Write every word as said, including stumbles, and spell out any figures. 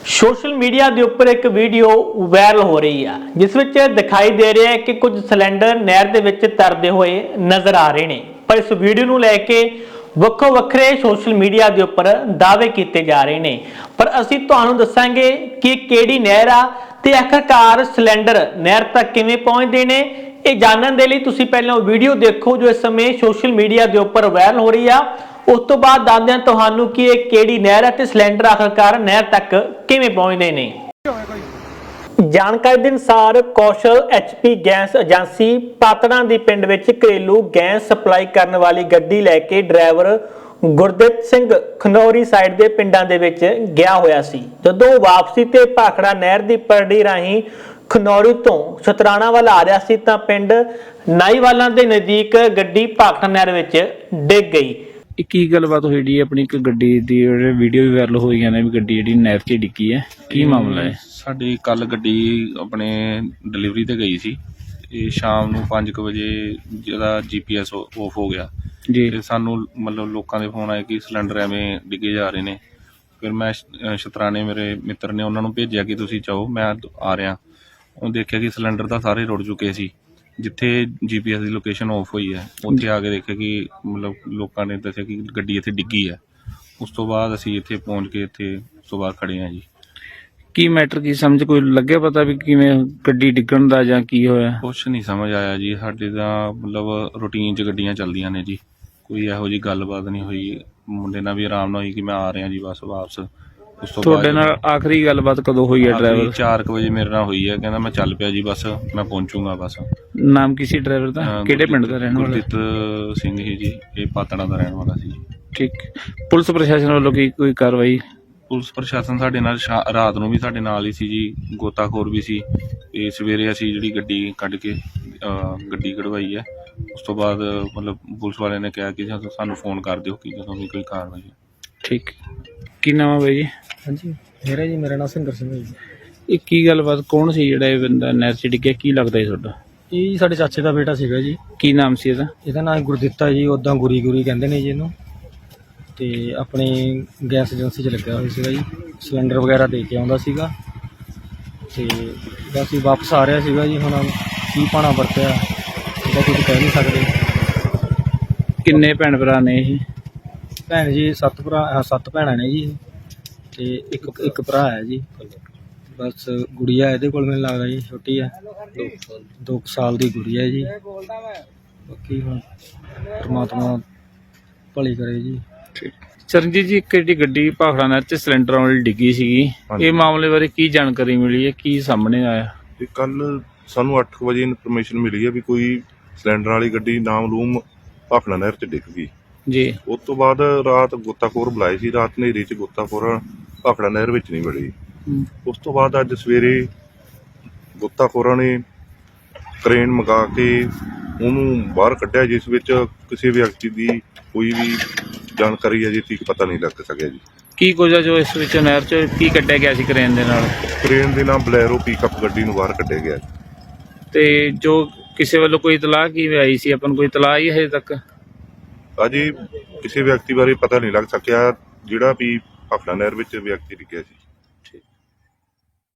Social media के उपर एक वीडियो वायरल हो रही है जिस विच दिखाई दे रहा है कि कुछ सिलेंडर नहर दे विच तरदे हुए नजर आ रहे हैं। पर इस वीडियो नूं लैके ਵੱਖੋ ਵੱਖਰੇ सोशल मीडिया के उपर दावे किए जा रहे हैं। पर असीं तुहानूं दस्सांगे कि किहड़ी नहर आ ते आखिरकार सिलेंडर नहर तक किवें पहुंचदे ने। ये जानने के लिए तुसीं पहलां वीडियो देखो जो इस समय सोशल मीडिया के उपर वायरल हो रही है। उस तो बाद दसदे हां तुहानूं कि ये किहड़ी नहर है ते सिलेंडर आखिरकार नहर तक किवें पहुंचदे ने। जानकारी के अनुसार Kaushal H P gas agency पातड़ा दी पिंड विच घरेलू गैस सप्लाई करने वाली गड्डी लैके ड्राइवर गुरदीप सिंह खनौरी साइड के पिंडां दे विच गया होया सी। जदों वापसी ते भाखड़ा नहर की परड़ी राही खनौरी तो शतराणा वाल आ रहा सी तां पिंड नाईवाला के नज़दीक गड्डी भाखड़ा नहर विच डिग गई। की गलबात हुई जी अपनी एक गड्डी दी वीडियो भी वायरल हुई है भी गड्डी जी नहर च डिग्गी है की मामला है? साडी कल गड्डी अपने डिलीवरी ते गई सी शाम नूं पाँच वजे जिहदा जी पी एस ऑफ हो गया जी ते सानू मतलब लोकां दे फोन आए कि सिलेंडर एवें डिगे जा रहे ने। फिर मैं शतराने मेरे मित्र ने उन्होंने भेजिया कि तुसीं जाओ मैं आ रहा। उन्हें देखिया कि सिलेंडर तो सारे रुड़ चुके सी। जिथे जी पी एस की लोकेशन ऑफ हुई है उत्थे आके देखिया कि मतलब लोगों ने दस्सिया कि गड्डी इत्थे डिग्गी है। उस तो बाद असीं इत्थे पहुँच के इत्थे उस तो बाद खड़े हैं जी। की मैटर की समझ कोई लगे पता भी किवें गड्डी डिग्गण दा जां की होया? कुछ नहीं समझ आया जी। साडे तां मतलब रूटीन च गड्डियां चलदियां ने जी, कोई इहो जी गलबात नहीं हुई। मुंडे नाल भी आराम नाल हुई कि मैं आ रहा जी बस वापस। उस तो तुहाडे नाल आखिरी गलबात कदों हुई है? ड्राइवर चार वजे मेरे नाल हुई है, कहंदा मैं चल पिया जी बस मैं पहुंचूंगा बस। नाम किसी ड्राइवर दा किहड़े पिंड दा रहण वाला? गुरदीप सिंह ही जी, ये पातड़ा दा रहण वाला सी। ठीक। पुलिस प्रशासन वालों की कोई कार्रवाई? पुलिस प्रशासन साडे नाल रात नूं भी साडे नाल ही सी जी, गोताखोर भी सी ते सवेरे असीं जिहड़ी गड्डी कढ के गड्डी कढवाई है। उस तो बाद मतलब पुलिस वाले ने कहा कि सानूं फोन कर दिओ कि जदों भी कोई कार्रवाई है। ठीक। की नाम है भाई जी? हाँ जी मेरा जी मेरा नाम सिंगर सिंह है जी। ये की गलबात कौन सी जिहड़ा ये बंदा नहर च डिग्गिया की लगदा है तुहाडा? ਇਹ ਸਾਡੇ ਚਾਚੇ ਦਾ ਬੇਟਾ ਸੀਗਾ ਜੀ। ਕੀ ਨਾਮ ਸੀ ਇਹਦਾ? ਇਹਦਾ ਨਾਮ ਗੁਰਦਿੱਤਾ ਜੀ, ਉੱਦਾਂ ਗੁਰੀ ਗੁਰੀ ਕਹਿੰਦੇ ਨੇ ਜੀ ਇਹਨੂੰ। ਤੇ ਆਪਣੀ ਗੈਸ ਏਜੰਸੀ 'ਚ ਲੱਗਿਆ ਹੋਇਆ ਸੀਗਾ ਜੀ, ਸਿਲੰਡਰ ਵਗੈਰਾ ਦੇ ਕੇ ਆਉਂਦਾ ਸੀਗਾ ਤੇ ਬਸ ਹੀ ਵਾਪਸ ਆ ਰਿਹਾ ਸੀਗਾ ਜੀ। ਹੁਣ ਕੀ ਪਾਣਾ ਵਰਤਿਆ ਇਹਦਾ ਕੁਝ ਕਹਿ ਨਹੀਂ ਸਕਦੇ। ਕਿੰਨੇ ਭੈਣ ਭਰਾ ਨੇ ਇਹ? ਭੈਣ ਜੀ ਸੱਤ ਭਰਾ ਸੱਤ ਭੈਣਾਂ ਨੇ ਜੀ ਤੇ ਇੱਕ ਇੱਕ ਭਰਾ ਹੈ ਜੀ। ਬਸ ਗੁੜੀਆ ਇਹਦੇ ਕੋਲ ਮੈਨੂੰ ਲੱਗਦਾ ਜੀ ਛੋਟੀ ਹੈ, ਦੋ ਕੁ ਸਾਲ ਦੀ ਗੁੜੀਆ ਹੈ ਜੀ। ਬਾਕੀ ਹੁਣ ਪਰਮਾਤਮਾ ਭਲੀ ਕਰੇ ਜੀ। ਚਰਨਜੀਤ ਜੀ, ਇੱਕ ਜਿਹੜੀ ਗੱਡੀ ਭਾਖੜਾ ਨਹਿਰ 'ਚ ਸਿਲੰਡਰ ਵਾਲੀ ਡਿੱਗੀ ਸੀਗੀ, ਇਹ ਮਾਮਲੇ ਬਾਰੇ ਕੀ ਜਾਣਕਾਰੀ ਮਿਲੀ ਹੈ, ਕੀ ਸਾਹਮਣੇ ਆਇਆ? ਇਹ ਕੱਲ ਸਾਨੂੰ ਅੱਠ ਵਜੇ ਇਨਫੋਰਮੇਸ਼ਨ ਮਿਲੀ ਹੈ ਵੀ ਕੋਈ ਸਿਲੰਡਰ ਵਾਲੀ ਗੱਡੀ ਨਾਮਲੂਮ ਭਾਖੜਾ ਨਹਿਰ 'ਚ ਡਿੱਗ ਗਈ ਜੀ। ਉਸ ਤੋਂ ਬਾਅਦ ਰਾਤ ਗੋਤਾਖੋਰ ਬੁਲਾਏ ਸੀ, ਰਾਤ ਹਨੇਰੀ 'ਚ ਗੋਤਾਖੋਰ ਭਾਖੜਾ ਨਹਿਰ ਵਿੱਚ ਨਹੀਂ ਵੜੀ। ਉਸ ਤੋਂ ਬਾਅਦ ਅੱਜ ਸਵੇਰੇ ਗੋਤਾਖੋਰਾਂ ਨੇ ਕਰੇਨ ਮੰਗਾ ਕੇ ਉਹਨੂੰ ਬਾਹਰ ਕੱਢਿਆ, ਜਿਸ ਵਿੱਚ ਕਿਸੇ ਵਿਅਕਤੀ ਦੀ ਕੋਈ ਵੀ ਜਾਣਕਾਰੀ ਅਜੇ ਤੱਕ ਪਤਾ ਨਹੀਂ ਲੱਗ ਸਕਿਆ ਜੀ। ਕੀ ਕੁਝ ਆ ਜੋ ਇਸ ਵਿੱਚ ਨਹਿਰ 'ਚ ਕੀ ਕੱਢਿਆ ਗਿਆ ਸੀ ਕਰੇਨ ਦੇ ਨਾਲ? ਕਰੇਨ ਦੇ ਨਾਲ ਬਲੈਰੋ ਪਿਕਅਪ ਗੱਡੀ ਨੂੰ ਬਾਹਰ ਕੱਢਿਆ ਗਿਆ ਤੇ ਜੋ ਕਿਸੇ ਵੱਲੋਂ ਕੋਈ ਇਤਲਾਹ ਕੀ ਆਈ ਸੀ, ਆਪਾਂ ਨੂੰ ਕੋਈ ਇਤਲਾਹ ਹੀ ਹਜੇ ਤੱਕ? ਅਜੇ ਕਿਸੇ ਵਿਅਕਤੀ ਬਾਰੇ ਪਤਾ ਨਹੀਂ ਲੱਗ ਸਕਿਆ ਜਿਹੜਾ ਵੀ ਭਾਖੜਾ ਨਹਿਰ ਵਿੱਚ ਵਿਅਕਤੀ ਡਿੱਗਿਆ ਸੀ।